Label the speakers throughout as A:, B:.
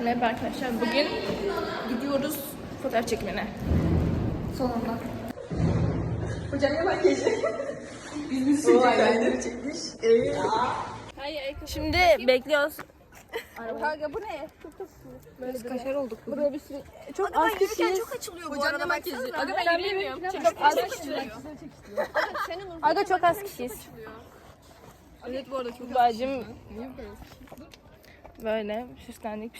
A: Merhaba arkadaşlar. Bugün gidiyoruz fotoğraf çekimine.
B: Sonunda.
A: Hocam ne makyajı? Biz çekmiş. Evet. Şimdi bekliyoruz. Kanka bu ne? Çok
B: Biz kaşar olduk.
A: Burada bir sürü... Çok az kişiyiz. Çok açılıyor bu arada makyajı. Aga ben yürüyemiyorum. Çok az kişiyiz. Aga çok az kişiyiz. Evet bu arada çok az kişiyiz. Böyle süslendik.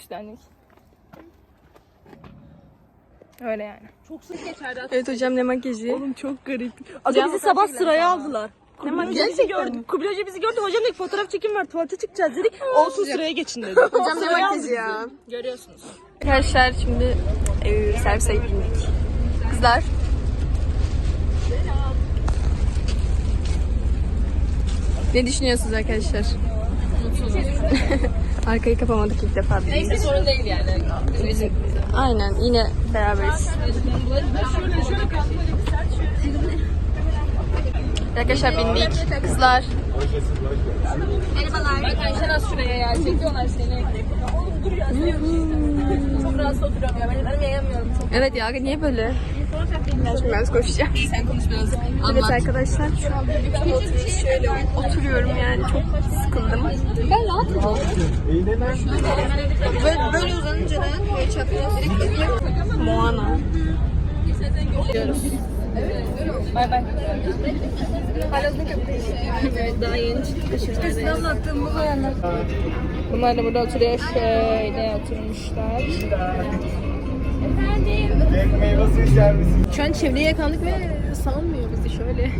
A: Öyle yani.
B: Çok sık geçerdi.
A: Evet hocam ne makyajı?
B: Oğlum çok garip. Aga bizi sabah sıraya aldılar. Ne makyajı bizi gördü. Kubilay Hoca bizi gördü. Hocam dedik fotoğraf çekim var. Tuvalete çıkacağız dedik. Olsun sıraya geçin dedi.
A: Hocam ne makyajı ya?
B: Görüyorsunuz.
A: Arkadaşlar şimdi servise bindik. Kızlar. Ne düşünüyorsunuz arkadaşlar? Arkayı kapamadık ilk defa.
B: Neyse sorun değil yani.
A: Aynen yine beraberiz. Arkadaşlar bindik. Kızlar.
B: Merhabalar. Bak Ayşen az şuraya ya. Çekiyorlar seni. Oğlum dur ya. Çok rahatsız oturuyorum ya. Ben yayamıyorum çok.
A: Evet ya niye böyle? Şimdi ben koşacağım.
B: Sen konuş biraz.
A: Evet arkadaşlar şu an şöyle oturuyorum yani çok sıkıldım.
B: Ben rahatım.
A: Böyle uzanınca da böyle çapraz Moana. Gidiyoruz.
B: Bay bay.
A: Evet daha yeni çıktık.
B: Size anlattığım bu bayanlar.
A: Bunlar da burada oturuyor. Şöyle oturmuşlar.
C: Meyve ister misin?
A: Şu an çevreye yakalandık ve salmıyor bizi şöyle.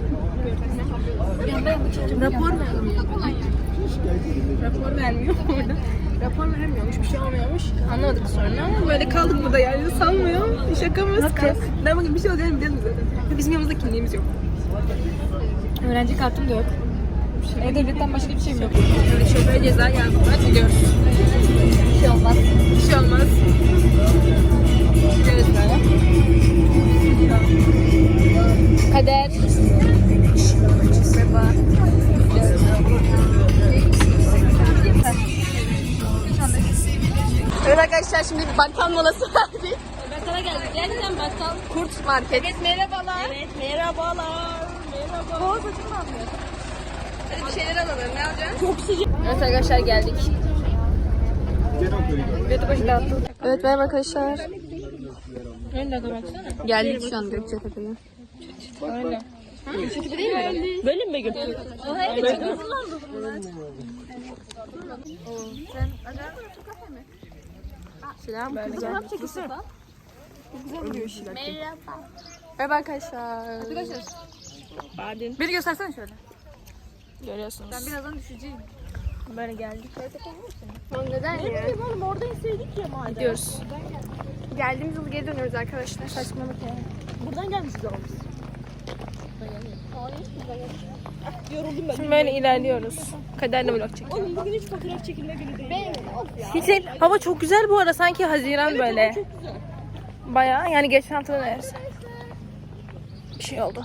A: Rapor vermiyor. Rapor vermiyor orada. Rapor vermiyormuş, bir şey olmuyormuş. Anlamadık sonra ama böyle kaldık burada yani salmıyor. Şaka mı? Ben bugün bir şey olacağını biliyorum zaten. Bizim yanımızda kimliğimiz yok.
B: Öğrenci kartım da yok. Devletten başka bir şeyim yok.
A: Böyle şoföre ceza yazdılar. Gidiyoruz.
B: Bir şey olmaz.
A: Bir şey olmaz. Gidiyoruz böyle. Kader. Merhaba. Evet arkadaşlar şimdi bir bakkal molası verdik.
B: Bakkala geldik. Gerçekten bakkal.
A: Kurt Market.
B: Evet merhabalar. Evet merhabalar. Merhaba. Boğaz açık mı almıyor?
A: Hadi bir şeyler alalım. Ne alacaksın?
B: Çok sıcak.
A: Evet arkadaşlar geldik. Evet merhaba arkadaşlar.
B: Öyle de baksana.
A: Geldik şu an Gökçetepe'ye.
B: Öyle.
A: Gökçetepe değil mi?
B: Böyle mi götürdün? Evet.
A: Selam kızlar.
B: Merhaba.
A: Merhaba arkadaşlar.
B: Arkadaşlar. Badin.
A: Beni göstersene şöyle. Görüyorsunuz.
B: Ben birazdan düşeceğim.
A: Böyle geldik.
B: Neden ya? Oğlum orada inseydik ya madem.
A: Gidiyoruz. Geldiğimiz yıl geri dönüyoruz arkadaşlar.
B: Saçmalık ya. Buradan gelmişiz ama biz. Yoruldum ben.
A: Şimdi böyle ilerliyoruz. Kaderle vlog çekiyoruz.
B: Oğlum bugün hiç fotoğraf çekilme günü değil.
A: Hiç değil. Hava çok güzel bu arada. Sanki Haziran böyle.
B: Çok güzel.
A: Bayağı yani geçen hafta neredeyse. Bir şey oldu.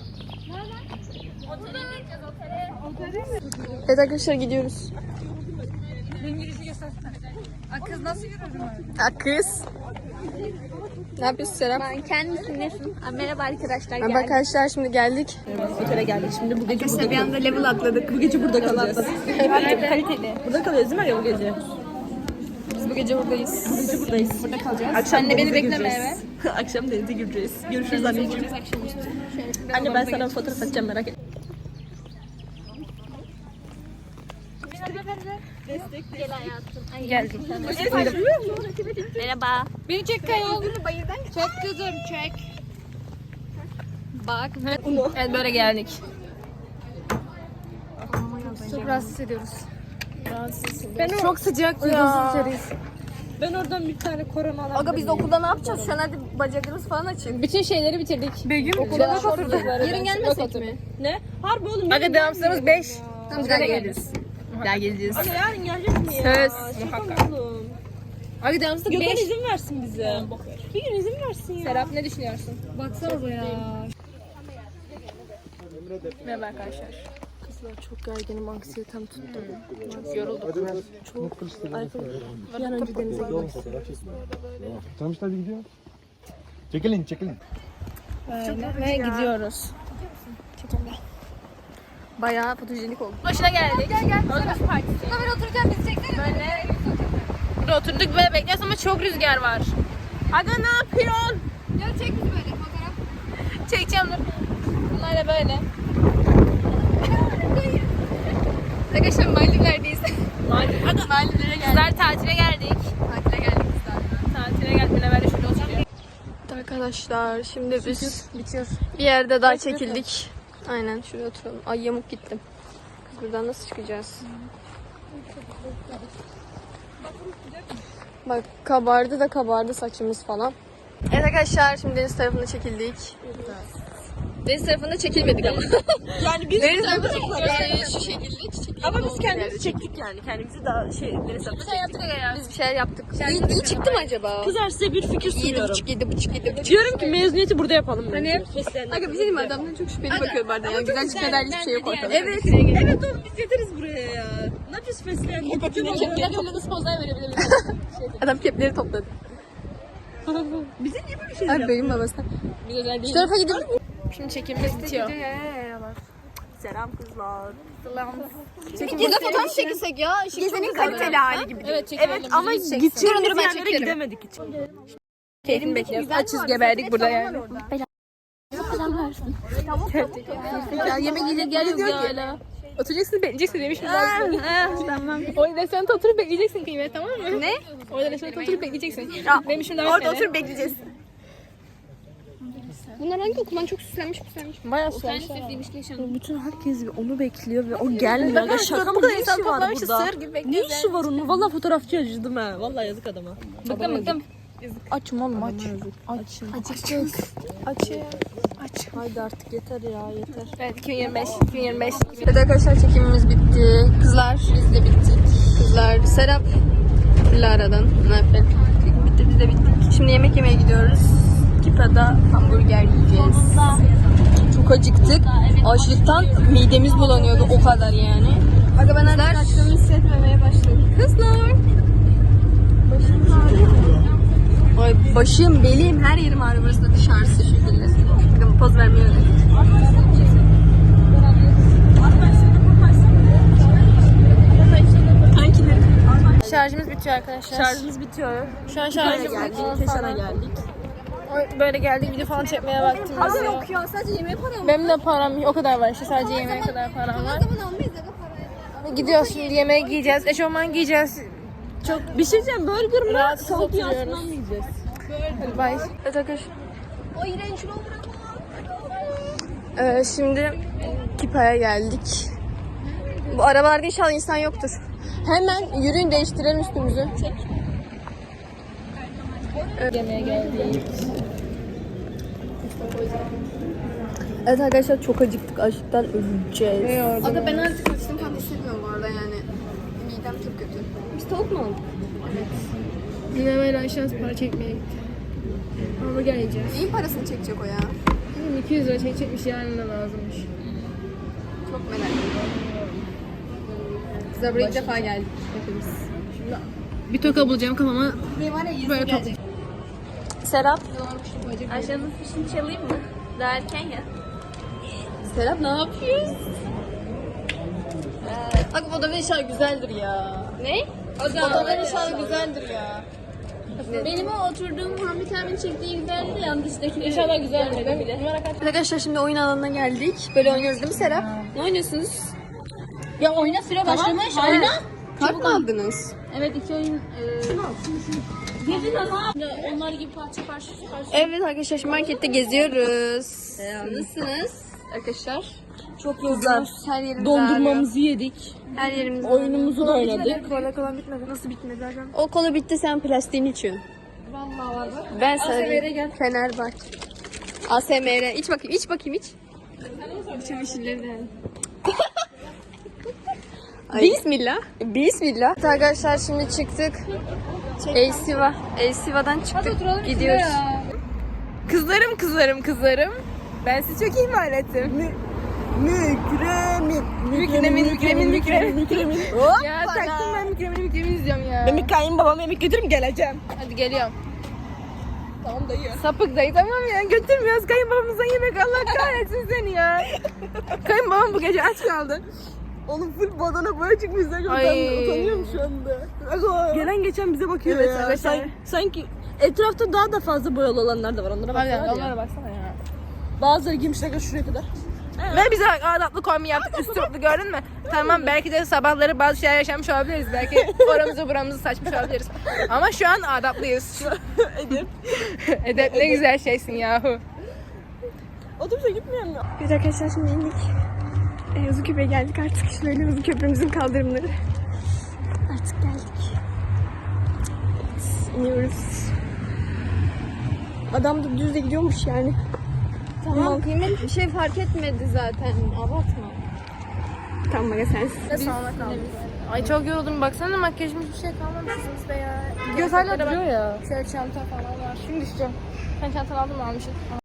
A: Evet arkadaşlar gidiyoruz.
B: Benim girişi göstersene. Kız nasıl yürüyorum öyle?
A: Kız. Ne yapıyorsun Serap?
B: Ben kendisi nesin? Merhaba arkadaşlar.
A: Merhaba arkadaşlar şimdi geldik.
B: Otele geldik. Şimdi bu gece burada
A: Bir anda level atladık.
B: Bu gece burada kalacağız.
A: Kaliteli.
B: Burada kalıyoruz değil mi ya bu gece?
A: Biz bu gece buradayız.
B: Bu gece buradayız. Burada kalacağız.
A: Akşam Anne beni
B: denize
A: bekleme
B: gireceğiz. Akşam denize gireceğiz. Görüşürüz anneciğim. Anne ben sana fotoğraf atacağım merak etme. Gel hayatım.
A: Geldik.
B: Merhaba.
A: Beni çek Kaya. Çek kızım çek. Bak. Evet böyle geldik. Çok rahatsız ediyoruz. Çok sıcak ya.
B: Ben oradan bir tane korona alalım.
A: Aga biz okulda ne yapacağız? Şu an hadi bacaklarımız falan açın. Bütün şeyleri bitirdik. Begüm okula
B: nasıl oturduk?
A: Yarın gelmesek mi?
B: Ne? Harbi oğlum.
A: Aga devamsızlarımız 5. Biz daha geliriz. Daha geleceğiz.
B: Aga yarın geleceğiz mi ya?
A: Söz.
B: Muhakkak. Oğlum.
A: Aga devamsızlık
B: Gökhan
A: 5.
B: izin versin bize. Bir gün izin versin ya.
A: Serap ne düşünüyorsun?
B: Baksana ya.
A: Merhaba arkadaşlar.
B: Kızlar çok gerginim, anksiyetem tuttu. Yoruldum. Çok. Bir an önce denize gitmek istiyorum.
C: Tamam işte hadi gidiyor. Çekilin.
A: Ve gidiyoruz. Bayağı fotojenik oldu. Başına geldik. Gel. Fotoğraf partisi. Böyle otururken bizi çeksene. Böyle. Burada oturduk ve bekliyoruz ama çok rüzgar var. Aga ne yapıyorsun?
D: Ya çek bizi böyle fotoğraf.
A: Çekeceğim dur. Bunlar da böyle. Arkadaşlar Maldivler'deyiz. Maldivlere geldik. Kızlar tatile geldik. Tatile geldik. Beraber şurada oturuyoruz.
B: Arkadaşlar şimdi biz bir yerde daha çekildik. Aynen şuraya oturalım. Ay yamuk gittim. Kız buradan nasıl çıkacağız? Bak kabardı saçımız falan. Evet arkadaşlar şimdi deniz tarafına çekildik. Deniz tarafında çekilmedik ama.
E: Yani biz
B: Deniz tarafında çekildik. Şu şekilde çekildik.
E: ama biz kendimizi çektik yani. Kendimizi daha deniz tarafına çektik.
B: Biz bir şeyler yaptık. İyi çıktı mı acaba?
E: Kızlar size bir fikir sunuyorum.
B: 7,5.
E: Diyorum ki mezuniyeti burada yapalım bence.
B: Aga bir şey diyeyim mi? Adamdan çok şüpheli bakıyor bana. Yani güzel çıkmadan hiçbir şey yok ortada.
E: Evet oğlum biz yeteriz buraya ya. Ne yapıyoruz fesleğen?
B: Adam kepleri topladı.
E: Bize niye böyle şey
B: Abi benim babası. Şu tarafa gidelim.
A: Şimdi çekimimiz bitiyor.
E: Selam kızlar.
B: Burada fotoğraf çekilsek ya. Gezenin kaliteli hali gibi.
A: Evet çekelim.
E: Evet ama gideceğimiz yerlere gidemedik hiç.
A: Keyfini bekliyoruz. Açız geberdik burada yani.
B: Ya yemek yiyecek yer yok ya hala.
A: Oturacaksın bekleyeceksin demişim ben. Tamam. Orada restoranda oturup bekleyeceksin kıymet tamam mı?
B: Ne?
A: Orada restoranda oturup bekleyeceksin. Demişim daha
B: Orada oturup bekleyeceğiz.
A: Bunlar hangi okuldan çok süslenmiş. Bayağı süslenmiş.
E: Bütün herkes onu bekliyor ve o gelmiyor. Aga şaka mı? Ne işi var burada? Ne işi var onun? Valla fotoğrafçı acıdım ha. Valla yazık adama.
A: Bıktım.
E: Açım oğlum aç. Açım. Aç. Haydi artık yeter ya yeter.
A: Evet 2025.
B: Evet arkadaşlar çekimimiz bitti. Kızlar biz de bittik. Kızlar Serap Lara'dan. Ne yapalım? Çekim bitti biz de bittik. Şimdi yemek yemeye gidiyoruz. Kipa'da hamburger yiyeceğiz. Çok acıktık. Açlıktan midemiz bulanıyordu o kadar yani. Aga ben artık açlığımı hissetmemeye başladım. Kızlar. Ay başım, belim, her yerim ağrıyor. Burası da dışarısı şekilde. Bakın poz vermiyor.
A: Şarjımız bitiyor arkadaşlar.
E: Şarjımız bitiyor.
A: Şu an
E: Keşan'a
A: şarjımız
E: geldik. Keşan'a geldik.
A: böyle geldik video falan çekmeye vaktimiz yok.
B: Ya sadece yemeğe para mı?
A: Benim de param yok. O kadar var işte sadece yemeğe kadar param var. Gidiyoruz şimdi yemeğe giyeceğiz. Eşofman giyeceğiz.
E: Bir şey diyeceğim. Burger mı?
A: Rahatsız
E: Tavuk
A: oturuyoruz.
E: yağsından mı yiyeceğiz?
A: Hadi bay.
B: Evet arkadaşlar. Şimdi Kipa'ya geldik. Bu arabalarda inşallah insan yoktur. Hemen yürüyün değiştirelim üstümüzü.
A: Yemeğe geldik.
B: Evet arkadaşlar çok acıktık. Açlıktan öleceğiz.
D: Aga ben artık açtım falan hissetmiyorum bu arada yani. Midem çok kötü.
B: Biz tavuk mu aldık?
A: Dinlemeyle aşağısı para çekmeye gitti. Hamburger yiyeceğiz.
D: Neyin parasını çekecek o ya?
A: 200 lira çekecekmiş yarın da lazımmış.
D: Çok merak ediyorum.
B: Kızlar buraya ilk defa geldik hepimiz.
A: Bir toka bulacağım kafama böyle top.
B: Serap.
E: Ayşe'nin fişini çalayım mı? Daha erken ya.
B: Serap ne yapıyorsun? Bak odanın inşallah güzeldir ya.
E: Ne?
B: Odanın inşallah güzeldir ya.
E: Benim o oturduğum Hamit abinin çektiği güzeldi de yanlıştaki.
A: İnşallah güzel mi bile.
B: Arkadaşlar şimdi oyun alanına geldik. Böyle oynuyoruz değil mi Serap? Ne oynuyorsunuz?
E: Ya oyna süre başlamış. Oyna.
B: Kart mı aldınız?
E: Evet 2 oyun. Gezin ama. Onlar gibi parça parça.
B: Evet arkadaşlar şimdi markette geziyoruz. Nasılsınız arkadaşlar?
E: Çok güzel.
B: Her yerimiz
E: Dondurmamızı yedik.
B: Her yerimiz
E: Oyunumuzu da oynadık.
B: Kola bitmedi. Nasıl bitmedi zaten? O kola bitti sen plastiğini içiyorsun. Vallahi var bak. Ben sana diyeyim. Fenerbahçe. ASMR. İç bakayım iç. Bismillah. Evet arkadaşlar şimdi çıktık. Elsiva'dan çıktık. Gidiyoruz.
A: Kızlarım. Ben sizi çok ihmal ettim.
E: Mükremin.
A: Ya taktım ben Mükremin izliyorum ya.
E: Ben bir kayınbabama yemek götürürüm geleceğim.
A: Hadi geliyorum.
E: Tamam dayı.
A: Sapık dayı tamam ya götürmüyoruz kayınbabamızdan yemek Allah kahretsin seni ya. Kayınbabam bu gece aç kaldı.
E: Oğlum full badana boya çıkmışlar.
A: Ay.
E: Utanıyorum şu anda. Gelen geçen bize bakıyor
A: Evet,
E: ya.
A: arkadaşlar.
E: Sanki etrafta daha da fazla boyalı olanlar da var. Onlara
A: Hadi
E: baksana
A: onlara
E: ya.
A: baksana ya.
E: Bazıları giymişler şuraya kadar.
A: Ve bize adaplı kombi yaptık üstü mutlu gördün mü? Tamam belki de sabahları bazı şeyler yaşamış olabiliriz. Belki oramızı buramızı saçmış olabiliriz. Ama şu an adaplıyız.
E: Edip.
A: Edep ne güzel şeysin yahu.
E: Otobüse gitmeyen mi?
D: Biz arkadaşlar şimdi indik. Uzunköprü'ye geldik artık. Şöyle Uzunköprümüzün kaldırımları. Artık geldik. İniyoruz. Adam da düz de gidiyormuş yani.
B: Tamam kıymet bir şey fark etmedi zaten. Abartma.
D: Tamam aga sensin.
A: Ay çok yoruldum baksana makyajım hiçbir şey kalmamış üstümüzde ya.
E: Göz hala duruyor ya.
A: Şöyle çanta falan var. Şimdi düşeceğim. Sen çantanı aldın mı almışsın?